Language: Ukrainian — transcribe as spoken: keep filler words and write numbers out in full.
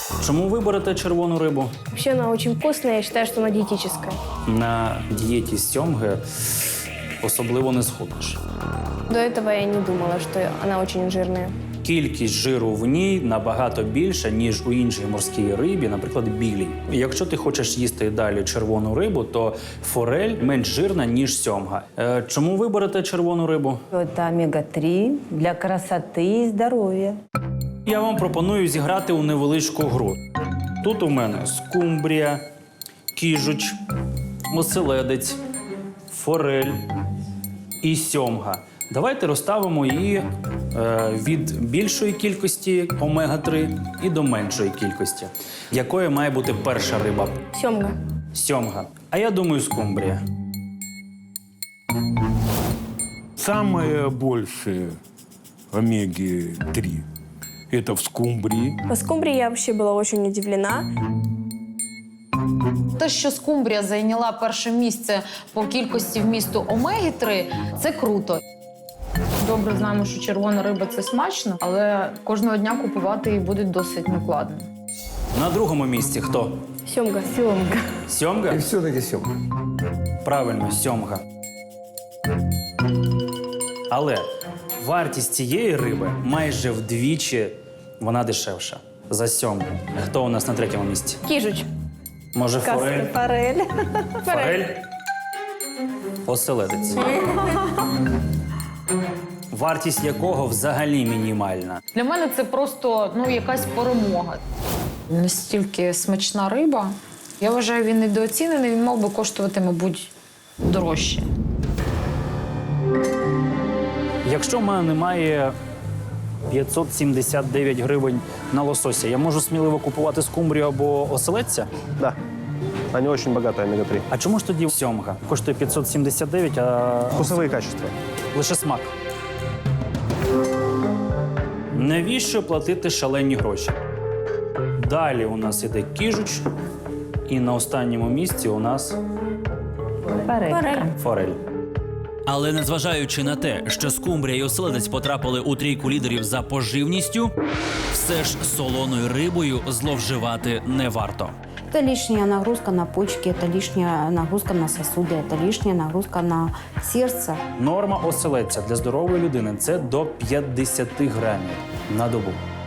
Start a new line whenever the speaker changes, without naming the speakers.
Чому ви берете червону рибу?
Вообще она очень вкусная, я считаю, что она диетическая.
На дієті з сьомги особливо не схуднеш.
До этого я не думала, что она очень жирная.
Кількість жиру в ній набагато більша, ніж у іншій морській рибі, наприклад, білій. Якщо ти хочеш їсти і далі червону рибу, то форель менш жирна, ніж сьомга. Е, чому ви берете червону рибу?
Это омега три для красоты и здоровья.
Я вам пропоную зіграти у невеличку гру. Тут у мене скумбрія, кіжуч, оселедець, форель і сьомга. Давайте розставимо її е, від більшої кількості омега три і до меншої кількості. Якою має бути перша риба?
Семга.
Сьомга. А я думаю, скумбрія.
Самые большие омеги три – это в скумбрии.
По скумбрии я вообще была очень удивлена.
Те, що скумбрія зайняла перше місце по кількості вмісту омеги три, це круто.
Добре знаємо, що червона риба – це смачно, але кожного дня купувати її буде досить накладно.
На другому місці хто?
Семга.
Семга.
Сьомга?
И все-таки семга.
Правильно, сьомга. Але вартість цієї риби майже вдвічі вона дешевша за сьомгу. Хто у нас на третьому місці?
Кижуч.
Може, форель?
Форель.
Форель? Оселедець. Вартість якого взагалі мінімальна.
Для мене це просто ну, якась перемога. Настільки смачна риба. Я вважаю, він недооцінений, він мав би коштувати, мабуть, дорожче.
Якщо в мене немає п'ятсот сімдесят дев'ять гривень на лосося, я можу сміливо купувати скумбрію або оселедця?
Да. Они очень богатые омега три.
А чому ж тоді сьомга? Коштує п'ятсот сімдесят дев'ять, а
Вкусовые качества.
лише смак. Навіщо платити шалені гроші? Далі у нас іде кіжуч, і на останньому місці у нас
Форель.
форель.
Але незважаючи на те, що скумбрія і оселедець потрапили у трійку лідерів за поживністю, все ж солоною рибою зловживати не варто.
Это лишняя нагрузка на почки, это лишняя нагрузка на сосуды, это лишняя нагрузка на сердце.
Норма оселедця для здорової людини – це до п'ятдесят грамів на добу.